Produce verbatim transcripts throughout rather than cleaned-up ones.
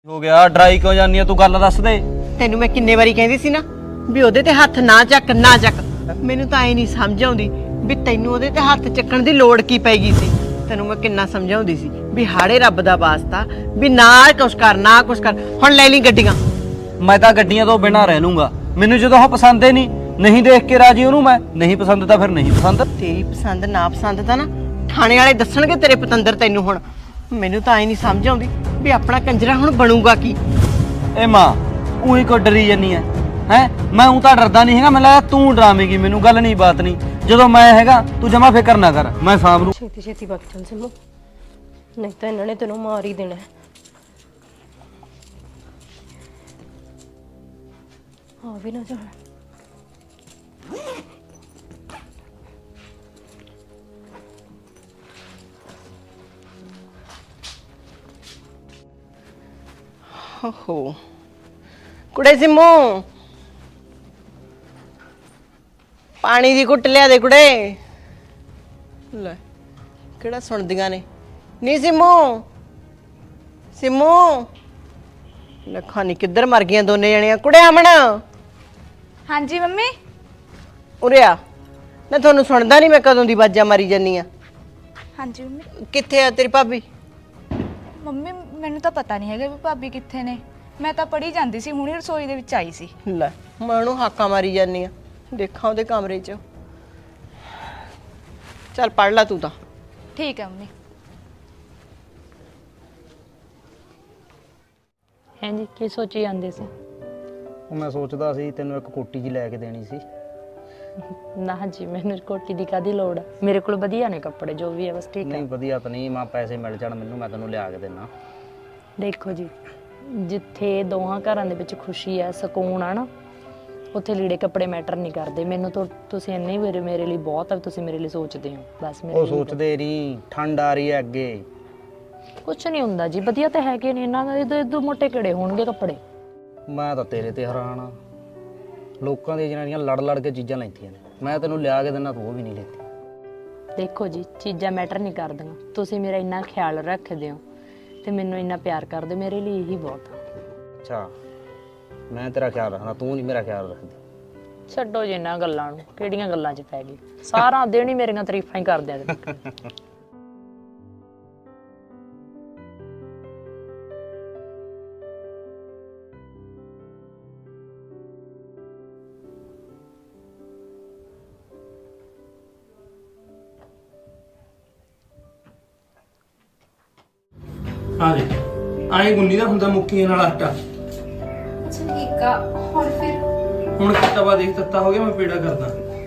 ਹੋ ਗਿਆ ਡਰਾਈ ਕਿਉਂ ਜਾਨੀ ਆ ਤੂੰ ਗੱਲ ਦੱਸ ਦੇ। ਤੈਨੂੰ ਮੈਂ ਕਿੰਨੇ ਵਾਰੀ ਕਹਿੰਦੀ ਸੀ ਨਾ ਵੀ ਉਹਦੇ ਤੇ ਹੱਥ ਨਾ ਚੱਕ ਨਾ ਚੱਕ। ਮੈਨੂੰ ਤਾਂ ਐ ਨਹੀਂ ਸਮਝ ਆਉਂਦੀ ਵੀ ਤੈਨੂੰ ਉਹਦੇ ਤੇ ਹੱਥ ਚੱਕਣ ਦੀ ਲੋੜ ਕੀ ਪੈ ਗਈ ਸੀ। ਤੈਨੂੰ ਮੈਂ ਕਿੰਨਾ ਸਮਝਾਉਂਦੀ ਸੀ ਵੀ ਹਾੜੇ ਰੱਬ ਦਾ ਵਾਸਤਾ ਵੀ ਨਾ ਕੁਛ ਕਰ ਨਾ ਕੁਛ ਕਰ। ਹੁਣ ਲੈ ਲਈ ਗੱਡੀਆਂ। ਮੈਂ ਤਾਂ ਗੱਡੀਆਂ ਤੋਂ ਬਿਨਾਂ ਰਹਿ ਲੂੰਗਾ। ਮੈਨੂੰ ਜਦੋਂ ਉਹ ਪਸੰਦ ਹੀ ਨਹੀਂ ਨਹੀਂ ਦੇਖ ਕੇ ਰਾਜੀ ਉਹਨੂੰ ਮੈਂ ਨਹੀਂ ਪਸੰਦ ਤਾਂ ਫਿਰ ਨਹੀਂ ਪਸੰਦ। ਤੇਰੀ ਪਸੰਦ ਨਾ ਪਸੰਦ ਤਾਂ ਨਾ ਥਾਣੇ ਵਾਲੇ ਦੱਸਣਗੇ ਤੇਰੇ ਪਤੰਦਰ ਤੈਨੂੰ। ਹੁਣ ਮੈਨੂੰ ਤਾਂ ਐ ਨਹੀਂ ਸਮਝ ਆਉਂਦੀ ਵੀ ਆਪਣਾ ਕੰਜਰਾ ਹੁਣ ਬਣੂਗਾ ਕੀ। ਏ ਮਾਂ ਉਹੀ ਕੋ ਡਰੀ ਜਾਨੀ ਐ ਹੈ। ਮੈਂ ਉਹ ਤਾਂ ਡਰਦਾ ਨਹੀਂ ਹੈਗਾ। ਮੈਨੂੰ ਲੱਗਦਾ ਤੂੰ ਡਰਾਵੇਂਗੀ ਮੈਨੂੰ। ਗੱਲ ਨਹੀਂ ਬਾਤ ਨਹੀਂ ਜਦੋਂ ਮੈਂ ਹੈਗਾ ਤੂੰ ਜਮਾ ਫਿਕਰ ਨਾ ਕਰ ਮੈਂ ਸਾਂਭ ਲੂ। ਛੇਤੀ ਛੇਤੀ ਵਗ ਚੱਲ ਸਿੰਮੂ, ਨਹੀਂ ਤਾਂ ਇਹਨਾਂ ਨੇ ਤੈਨੂੰ ਮਾਰ ਹੀ ਦੇਣਾ। ਆ ਵੀ ਨਾ ਜਾਣ। ਓਹੋ ਕੁੜੇ ਸਿੰਮੂ ਪਾਣੀ ਦੀ ਘੁੱਟ ਲਿਆ ਦੇ ਕੁੜੇ। ਲੈ ਕਿਹੜਾ ਸੁਣਦੀਆਂ ਨੇ। ਨੀ ਸਿੰਮੂ ਸਿੰਮੂ ਲੱਖਾਂ ਨੀ ਕਿੱਧਰ ਮਰ ਗਈਆਂ ਦੋਨੇ ਜਣੀਆਂ। ਕੁੜੇ ਅਮਨ ਹਾਂਜੀ ਮੰਮੀ। ਉਰੇ ਆ ਨਾ। ਤੁਹਾਨੂੰ ਸੁਣਦਾ ਨਹੀਂ ਮੈਂ ਕਦੋਂ ਦੀ ਬਾਜਾਂ ਮਾਰੀ ਜਾਨੀ ਆ। ਹਾਂਜੀ ਮੰਮੀ। ਕਿੱਥੇ ਆ ਤੇਰੀ ਭਾਬੀ? ਮੰਮੀ ਮੈਨੂੰ ਤਾਂ ਪਤਾ ਨਹੀਂ ਹੈਗਾ ਵੀ ਭਾਬੀ ਕਿੱਥੇ ਨੇ। ਮੈਂ ਤਾਂ ਪੜ੍ਹੀ ਜਾਂਦੀ ਸੀ, ਹੁਣੀ ਰਸੋਈ ਦੇ ਵਿੱਚ ਆਈ ਸੀ। ਲੈ ਮੈਂ ਉਹਨੂੰ ਹਾਕਾਂ ਮਾਰੀ ਜਾਨੀ ਆ ਦੇਖਾਂ ਉਹਦੇ ਕਮਰੇ 'ਚ। ਚੱਲ ਪੜ ਲੈ ਤੂੰ ਤਾਂ। ਠੀਕ ਹੈ ਮੰਮੀ। ਹਾਂਜੀ ਕੀ ਸੋਚੀ ਜਾਂਦੇ ਸੀ? ਉਹ ਮੈਂ ਸੋਚਦਾ ਸੀ ਤੈਨੂੰ ਇੱਕ ਕੋਟੀ ਜੀ ਲੈ ਕੇ ਦੇਣੀ ਸੀ। ਨਾ ਜੀ ਮੈਨੂੰ ਕੋਟੀ ਦੀ ਕਾਦੀ ਲੋੜ ਆ। ਮੇਰੇ ਕੋਲ ਵਧੀਆ ਨੇ ਕੱਪੜੇ ਜੋ ਵੀ ਹੈ ਬਸ ਠੀਕ ਹੈ। ਨਹੀਂ ਵਧੀਆ ਤਾਂ ਨਹੀਂ ਮਾਂ ਪੈਸੇ ਮਿਲ ਜਾਣ ਮੈਨੂੰ ਮੈਂ ਤੈਨੂੰ ਲਿਆ ਕੇ ਦੇਣਾ। ਦੇਖੋ ਜੀ ਜਿੱਥੇ ਦੋਹਾਂ ਘਰਾਂ ਦੇ ਵਿੱਚ ਖੁਸ਼ੀ ਹੈ ਸਕੂਨ ਆ ਨਾ ਉੱਥੇ ਲੀੜੇ ਕੱਪੜੇ ਮੈਟਰ ਨਹੀਂ ਕਰਦੇ। ਮੈਨੂੰ ਤਾਂ ਤੁਸੀਂ ਇੰਨੇ ਮੇਰੇ ਮੇਰੇ ਲਈ ਬਹੁਤ ਆ। ਤੁਸੀਂ ਮੇਰੇ ਲਈ ਸੋਚਦੇ ਹੋ ਬਸ। ਮੇਰੇ ਉਹ ਸੋਚਦੇ ਨਹੀਂ ਠੰਡ ਆ ਰਹੀ ਹੈ ਅੱਗੇ। ਕੁਛ ਨਹੀਂ ਹੁੰਦਾ ਜੀ ਵਧੀਆ ਤਾਂ ਹੈਗੇ ਨੇ। ਇਹਨਾਂ ਦੇ ਇਦੋਂ ਮੋਟੇ ਕਿਹੜੇ ਹੋਣਗੇ ਕੱਪੜੇ। ਮੈਂ ਤਾਂ ਤੇਰੇ ਤੇ ਹੈਰਾਨ ਆ। ਲੋਕਾਂ ਦੀਆਂ ਜਨਾਨੀਆਂ ਲੜ ਲੜ ਕੇ ਚੀਜ਼ਾਂ ਲੈਂਦੀਆਂ ਨੇ। ਮੈਂ ਤੈਨੂੰ ਲਿਆ ਕੇ ਦਿੰਦਾ ਤੂੰ ਉਹ ਵੀ ਨਹੀਂ ਲੈਂਦੀ। ਦੇਖੋ ਜੀ ਚੀਜ਼ਾਂ ਮੈਟਰ ਨਹੀਂ ਕਰਦੀਆਂ। ਤੁਸੀਂ ਮੇਰਾ ਇੰਨਾ ਖਿਆਲ ਰੱਖਦੇ ਹੋ ਤੇ ਮੈਨੂੰ ਇੰਨਾ ਪਿਆਰ ਕਰਦੇ ਮੇਰੇ ਲਈ ਇਹੀ ਬਹੁਤ ਆ। ਅੱਛਾ ਮੈਂ ਤੇਰਾ ਖਿਆਲ ਰੱਖਣਾ ਤੂੰ ਨਹੀਂ ਮੇਰਾ ਖਿਆਲ ਰੱਖਦੀ। ਛੱਡੋ ਜੀ ਇਹਨਾਂ ਗੱਲਾਂ ਨੂੰ। ਕਿਹੜੀਆਂ ਗੱਲਾਂ 'ਚ ਪੈ ਗਈ। ਸਾਰਾ ਦਿਨ ਹੀ ਮੇਰੀਆਂ ਤਾਰੀਫਾਂ ਹੀ ਕਰਦੇ ਆ। ਆ ਦੇ ਆਏ ਗੁੰਨੀ ਦਾ ਹੁੰਦਾ ਮੁੱਕੀਆਂ ਨਾਲ ਆਟਾ। ਅੱਛਾ ਠੀਕ ਆ। ਹੁਣ ਫਿਰ ਹੁਣ ਤਵਾ ਦੇਖ ਤੱਤਾ ਹੋ ਗਿਆ। ਮੈਂ ਪੇੜਾ ਕਰਦਾ।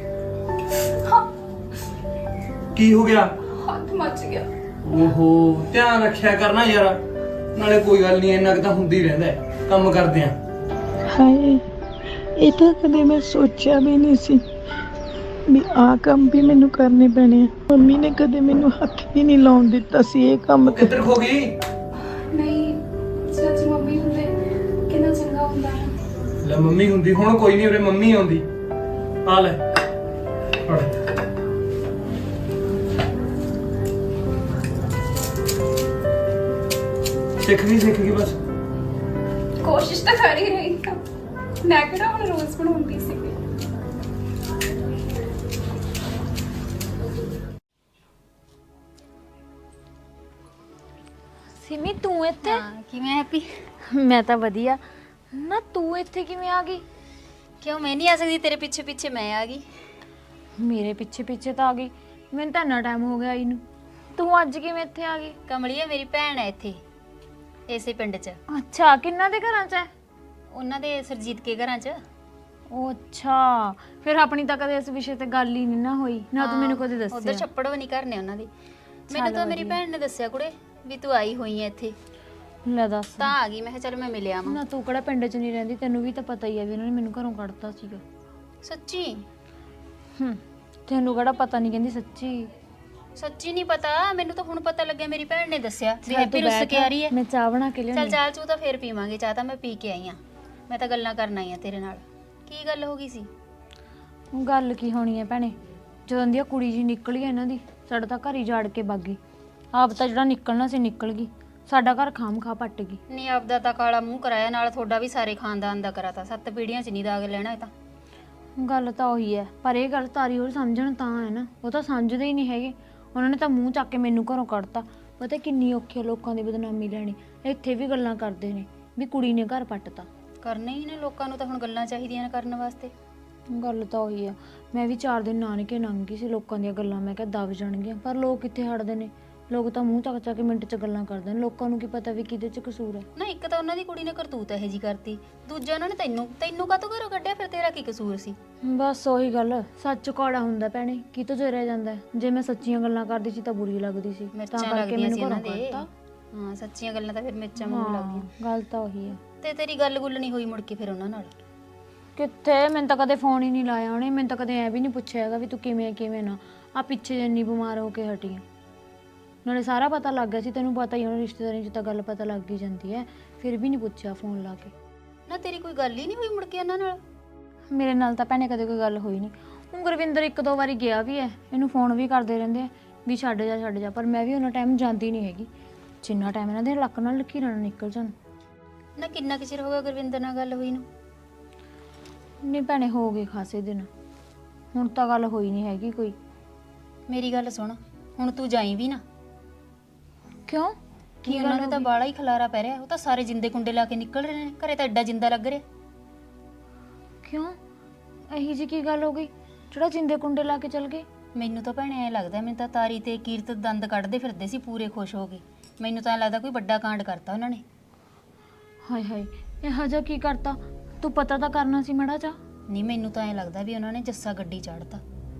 ਕੀ ਹੋ ਗਿਆ? ਹੱਥ ਮੱਚ ਗਿਆ। ਓਹੋ ਧਿਆਨ ਰੱਖਿਆ ਕਰਨਾ ਯਾਰ। ਨਾਲੇ ਕੋਈ ਗੱਲ ਨਹੀਂ ਇੰਨਾ ਕੁ ਤਾਂ ਹੁੰਦੀ ਰਹਿੰਦਾ ਹੈ। ਕੰਮ ਕਰਦੇ ਆ। ਹਾਏ ਇਹ ਤਾਂ ਕਦੇ ਮੈਂ ਸੋਚਿਆ ਵੀ ਨਹੀਂ ਸੀ ਵੀ ਆਹ ਕੰਮ ਵੀ ਮੈਨੂੰ ਕਰਨੇ ਪੈਣੇ ਆ। ਮੰਮੀ ਨੇ ਕਦੇ ਮੈਨੂੰ ਹੱਥ ਵੀ ਨਹੀਂ ਲਾਉਣ ਦਿੱਤਾ ਸੀ ਇਹ ਕੰਮ ਤੇ। ਕਿੱਧਰ ਖੋ ਗਈ? ਨਹੀਂ ਸੱਚ ਮੰਮੀ ਹੁੰਦੇ ਕਿੰਨਾ ਚੰਗਾ ਹੁੰਦਾ ਹੈ। ਲੈ ਮੰਮੀ ਹੁੰਦੀ ਹੁਣ ਕੋਈ ਨਹੀਂ ਉਰੇ ਮੰਮੀ ਆਉਂਦੀ। ਆ ਲੈ ਫੜ। ਸਿੱਖ ਗਈ ਸਿੱਖ ਗਈ ਬਸ। ਕੋਸ਼ਿਸ਼ ਤਾਂ ਕਰ ਹੀ ਰਹੀ ਹਾਂ। ਮੈਂ ਕਿਹੜਾ ਹੁਣ ਰੋਜ਼ ਬਣਾਉਂਦੀ ਸੀ। ਸਿਮੀ ਤੂੰ ਇੱਥੇ? ਹਾਂ ਕਿਵੇਂ ਹੈਪੀ? ਮੈਂ ਤਾਂ ਵਧੀਆ। ਨਾ ਤੂੰ ਇੱਥੇ ਕਿਵੇਂ ਆ ਗਈ? ਕਿਉਂ ਮੈਂ ਨਹੀਂ ਆ ਸਕਦੀ? ਤੇਰੇ ਪਿੱਛੇ ਪਿੱਛੇ ਮੈਂ ਆ ਗਈ। ਮੇਰੇ ਪਿੱਛੇ ਪਿੱਛੇ ਤਾਂ ਆ ਗਈ। ਮੈਨੂੰ ਤਾਂ ਇੰਨਾ ਟਾਈਮ ਹੋ ਗਿਆ ਆਈ ਨੂੰ। ਤੂੰ ਅੱਜ ਕਿਵੇਂ ਇੱਥੇ ਆ ਗਈ? ਕਮਲੀਆ ਮੇਰੀ ਭੈਣ ਹੈ ਇੱਥੇ ਇਸੇ ਪਿੰਡ 'ਚ। ਅੱਛਾ ਕਿੰਨਾ ਦੇ ਘਰਾਂ 'ਚ ਹੈ? ਉਹਨਾਂ ਦੇ ਸਰਜੀਤ ਕੇ ਘਰਾਂ 'ਚ। ਉਹ ਅੱਛਾ ਫਿਰ ਆਪਣੀ ਤਾਂ ਕਦੇ ਇਸ ਵਿਸ਼ੇ ਤੇ ਗੱਲ ਹੀ ਨਹੀਂ ਨਾ ਹੋਈ ਨਾ ਤੂੰ ਮੈਨੂੰ ਕਦੇ ਦੱਸਿਆ। ਉਧਰ ਛੱਪੜ ਵੀ ਨਹੀਂ ਕਰਨੇ ਉਹਨਾਂ ਦੇ। ਮੈਨੂੰ ਤਾਂ ਮੇਰੀ ਭੈਣ ਨੇ ਦੱਸਿਆ ਕੁੜੇ ਵੀ ਤੂੰ ਆਈ ਹੋਈ ਹੈ ਇੱਥੇ। ਲੈ ਦੱਸ। ਤਾਂ ਆ ਗਈ। ਮੈਂ ਕਿਹਾ ਚੱਲ ਮੈਂ ਮਿਲਿਆ ਵਾਂ। ਨਾ ਤੂੰ ਕਿਹੜਾ ਪਿੰਡ 'ਚ ਨਹੀਂ ਰਹਿੰਦੀ। ਤੈਨੂੰ ਵੀ ਤਾਂ ਪਤਾ ਹੀ ਹੈ ਵੀ ਉਹਨਾਂ ਨੇ ਮੈਨੂੰ ਘਰੋਂ ਕੱਢਤਾ ਸੀਗਾ। ਸੱਚੀ? ਹੂੰ ਤੈਨੂੰ ਕਿਹੜਾ ਪਤਾ ਨਹੀਂ ਕਹਿੰਦੀ ਸੱਚੀ। ਸੱਚੀ ਨਹੀਂ ਪਤਾ ਮੈਨੂੰ ਤਾਂ ਹੁਣ ਪਤਾ ਲੱਗਿਆ। ਮੇਰੀ ਭੈਣ ਨੇ ਦੱਸਿਆ ਵੀ ਹੈਪੀ ਰੁੱਸ ਕੇ ਆ ਰਹੀ ਹੈ। ਮੈਂ ਚਾਹ ਬਣਾ ਕੇ ਲਿਆਉਂਦੀ। ਚੱਲ ਚਾਲ ਚੂ ਤਾਂ ਫੇਰ ਪੀਵਾਂਗੇ। ਚਾਹ ਤਾਂ ਮੈਂ ਪੀ ਕੇ ਆਈ ਆ। ਮੈਂ ਤਾਂ ਗੱਲਾਂ ਕਰਨ ਆਈ ਆ ਤੇਰੇ ਨਾਲ। ਕੀ ਗੱਲ ਹੋ ਗਈ ਸੀ? ਗੱਲ ਕੀ ਹੋਣੀ ਹੈ ਭੈਣੇ। ਜਦੋਂ ਦੀ ਕੁੜੀ ਜੀ ਨਿਕਲੀ ਇਹਨਾਂ ਦੀ ਸਾਡਾ ਤਾਂ ਘਰ ਹੀ ਝਾੜ ਕੇ ਵਗ ਗਈ। ਆਪ ਤਾਂ ਜਿਹੜਾ ਨਿਕਲਣਾ ਸੀ ਨਿਕਲ ਗਈ। ਸਾਡਾ ਘਰ ਖਾਮ ਖਾ ਪੱਟ ਗਈ। ਨਹੀਂ ਆਪਦਾ ਤਾਂ ਕਾਲਾ ਮੂੰਹ ਕਰਾਇਆ, ਨਾਲ ਤੁਹਾਡਾ ਵੀ ਸਾਰੇ ਖਾਨਦਾਨ ਦਾ ਕਰਾਤਾ। ਸੱਤ ਪੀੜ੍ਹੀਆਂ 'ਚ ਨਹੀਂ ਦਾਗ ਲੈਣਾ ਇਹ ਤਾਂ। ਗੱਲ ਤਾਂ ਉਹੀ ਹੈ, ਪਰ ਇਹ ਗੱਲ ਤਾਰੀ ਹੋਰ ਸਮਝਣ ਤਾਂ ਹੈ ਨਾ, ਉਹ ਤਾਂ ਸਮਝਦੇ ਹੀ ਨਹੀਂ ਹੈਗੇ। ਉਹਨਾਂ ਨੇ ਤਾਂ ਮੂੰਹ ਚੱਕ ਕੇ ਮੈਨੂੰ ਘਰੋਂ ਕੱਢਤਾ। ਪਤਾ ਕਿੰਨੀ ਔਖੀ ਆ ਲੋਕਾਂ ਦੀ ਬਦਨਾਮੀ ਲੈਣੀ। ਇੱਥੇ ਵੀ ਗੱਲਾਂ ਕਰਦੇ ਨੇ ਵੀ ਕੁੜੀ ਨੇ ਘਰ ਪੱਟਤਾ। ਕਰਨੇ ਹੀ ਨੇ, ਲੋਕਾਂ ਨੂੰ ਤਾਂ ਹੁਣ ਗੱਲਾਂ ਚਾਹੀਦੀਆਂ ਨੇ ਕਰਨ ਵਾਸਤੇ। ਗੱਲ ਤਾਂ ਉਹੀ ਆ। ਮੈਂ ਵੀ ਚਾਰ ਦਿਨ ਨਾਨਕੇ ਲੰਘ ਗਈ ਸੀ, ਲੋਕਾਂ ਦੀਆਂ ਗੱਲਾਂ ਮੈਂ ਕਿਹਾ ਦਬ ਜਾਣਗੀਆਂ, ਪਰ ਲੋਕ ਕਿੱਥੇ ਹਟਦੇ ਨੇ। ਲੋਕ ਤਾਂ ਮੂੰਹ ਚੱਕ ਚੱਕ ਕੇ ਮਿੰਟ 'ਚ ਗੱਲਾਂ ਕਰਦੇ ਨੇ। ਲੋਕਾਂ ਨੂੰ ਕੀ ਪਤਾ ਵੀ ਕਿਹਦੇ 'ਚ ਕਸੂਰ ਹੈ। ਨਾ ਇੱਕ ਤਾਂ ਉਹਨਾਂ ਦੀ ਕੁੜੀ ਨੇ ਕਰਤੂਤ ਇਹੋ ਜੀ ਕਰਤੀ, ਦੂਜਾ ਉਹਨਾਂ ਨੇ ਤੈਨੂੰ ਤੈਨੂੰ ਕਾਹਤੋਂ ਘਰੋਂ ਕੱਢਿਆ? ਫਿਰ ਤੇਰਾ ਕੀ ਕਸੂਰ ਸੀ? ਬਸ ਉਹੀ ਗੱਲ, ਸੱਚ ਕੌੜਾ ਹੁੰਦਾ ਭੈਣੇ, ਕੀ ਤੋਂ ਜਰਿਆ ਜਾਂਦਾ। ਜੇ ਮੈਂ ਸੱਚੀਆਂ ਗੱਲਾਂ ਕਰਦੀ ਸੀ ਤਾਂ ਬੁਰੀ ਲੱਗਦੀ ਸੀ, ਤਾਂ ਮਿਰਚਾਂ ਕਰਕੇ ਲੱਗਦੀਆਂ ਮੈਨੂੰ ਸੀ ਘਰੋਂ ਉਹਨਾਂ ਦੇ। ਕੱਢਤਾ। ਹਾਂ ਸੱਚੀਆਂ ਗੱਲਾਂ ਤਾਂ ਫਿਰ ਮਿਰਚਾਂ ਵਾਂਗੂ ਲੱਗਦੀਆਂ। ਗੱਲ ਤਾਂ ਉਹੀ ਆ। ਤੇ ਤੇਰੀ ਗੱਲ ਗੁੱਲ ਨਹੀਂ ਹੋਈ ਮੁੜ ਕੇ ਫਿਰ ਉਹਨਾਂ ਨਾਲ? ਕਿੱਥੇ, ਮੈਨੂੰ ਤਾਂ ਕਦੇ ਫੋਨ ਹੀ ਨਹੀਂ ਲਾਇਆ ਉਹਨੇ। ਮੈਨੂੰ ਤਾਂ ਕਦੇ ਐ ਵੀ ਨਹੀਂ ਪੁੱਛਿਆ ਹੈਗਾ ਵੀ ਤੂੰ ਕਿਵੇਂ ਕਿਵੇਂ ਨਾ। ਆ ਪਿੱਛੇ ਜਿੰਨੀ ਬਿਮਾਰ ਹੋ ਕੇ ਹਟੀ ਆ, ਨਾਲੇ ਸਾਰਾ ਪਤਾ ਲੱਗ ਗਿਆ ਸੀ। ਤੈਨੂੰ ਪਤਾ ਹੀ, ਹੁਣ ਰਿਸ਼ਤੇਦਾਰੀ 'ਚ ਤਾਂ ਗੱਲ ਪਤਾ ਲੱਗ ਹੀ ਜਾਂਦੀ ਹੈ। ਫਿਰ ਵੀ ਨਹੀਂ ਪੁੱਛਿਆ ਫੋਨ ਲਾ ਕੇ। ਨਾ ਤੇਰੀ ਕੋਈ ਗੱਲ ਹੀ ਨਹੀਂ ਹੋਈ ਮੁੜ ਕੇ ਇਹਨਾਂ ਨਾਲ? ਮੇਰੇ ਨਾਲ ਤਾਂ ਭੈਣੇ ਕਦੇ ਕੋਈ ਗੱਲ ਹੋਈ ਨਹੀਂ। ਹੁਣ ਗੁਰਵਿੰਦਰ ਇੱਕ ਦੋ ਵਾਰੀ ਗਿਆ ਵੀ ਹੈ, ਇਹਨੂੰ ਫੋਨ ਵੀ ਕਰਦੇ ਰਹਿੰਦੇ ਆ ਵੀ ਛੱਡ ਜਾ ਛੱਡ ਜਾ, ਪਰ ਮੈਂ ਵੀ ਉਹਨਾਂ ਟਾਈਮ ਜਾਂਦੀ ਨਹੀਂ ਹੈਗੀ ਜਿੰਨਾ ਟਾਈਮ ਇਹਨਾਂ ਦੇ ਲੱਕ ਨਾਲ ਲਕੀਰਾਂ ਨਾਲ ਨਿਕਲ ਜਾਣ। ਨਾ ਕਿੰਨਾ ਕੁ ਚਿਰ ਹੋ ਗਿਆ ਗੁਰਵਿੰਦਰ ਨਾਲ ਗੱਲ ਹੋਈ ਨੂੰ? ਨਹੀਂ ਭੈਣੇ, ਹੋ ਗਏ ਖਾਸੇ ਦਿਨ। ਹੁਣ ਤਾਂ ਗੱਲ ਹੋਈ ਨਹੀਂ ਹੈਗੀ ਕੋਈ। ਮੇਰੀ ਗੱਲ ਸੁਣ, ਹੁਣ ਤੂੰ ਜਾਈ ਵੀ ਨਾ। ਕਿਉਂ? ਕੀ ਉਹਨਾਂ ਨੂੰ ਤਾਂ ਬਾਲਾ ਹੀ ਖਲਾਰਾ ਪੈ ਰਿਹਾ। ਉਹ ਤਾਂ ਸਾਰੇ ਜਿੰਦੇ ਕੁੰਡੇ ਲਾ ਕੇ ਨਿਕਲ ਰਹੇ ਨੇ, ਘਰੇ ਤਾਂ ਐਡਾ ਜਿੰਦਾ ਲੱਗ ਰਿਹਾ। ਕਿਉਂ? ਇਹੀ ਜੀ ਕੀ ਗੱਲ ਹੋ ਗਈ ਜਿਹੜਾ ਜਿੰਦੇ ਕੁੰਡੇ ਲਾ ਕੇ ਚਲ ਗਏ? ਮੈਨੂੰ ਤਾਂ ਭੈਣੇ ਐ ਲੱਗਦਾ, ਮੈਨੂੰ ਤਾਂ ਤਾਰੀ ਤੇ ਕੀਰਤ ਦੰਦ ਕੱਢਦੇ ਫਿਰਦੇ ਸੀ ਪੂਰੇ ਖੁਸ਼ ਹੋ ਕੇ। ਮੈਨੂੰ ਤਾਂ ਐ ਲੱਗਦਾ ਕੋਈ ਵੱਡਾ ਕਾਂਡ ਕਰਤਾ ਉਹਨਾਂ ਨੇ। ਹਾਏ ਹਾਏ, ਇਹੋ ਜਿਹਾ ਕੀ ਕਰਤਾ? ਤੂੰ ਪਤਾ ਤਾਂ ਕਰਨਾ ਸੀ ਮਾੜਾ ਜਿਹਾ। ਨਹੀਂ ਮੈਨੂੰ ਤਾਂ ਐ ਲੱਗਦਾ ਵੀ ਉਹਨਾਂ ਨੇ ਜੱਸਾ ਗੱਡੀ ਚਾੜਤਾ।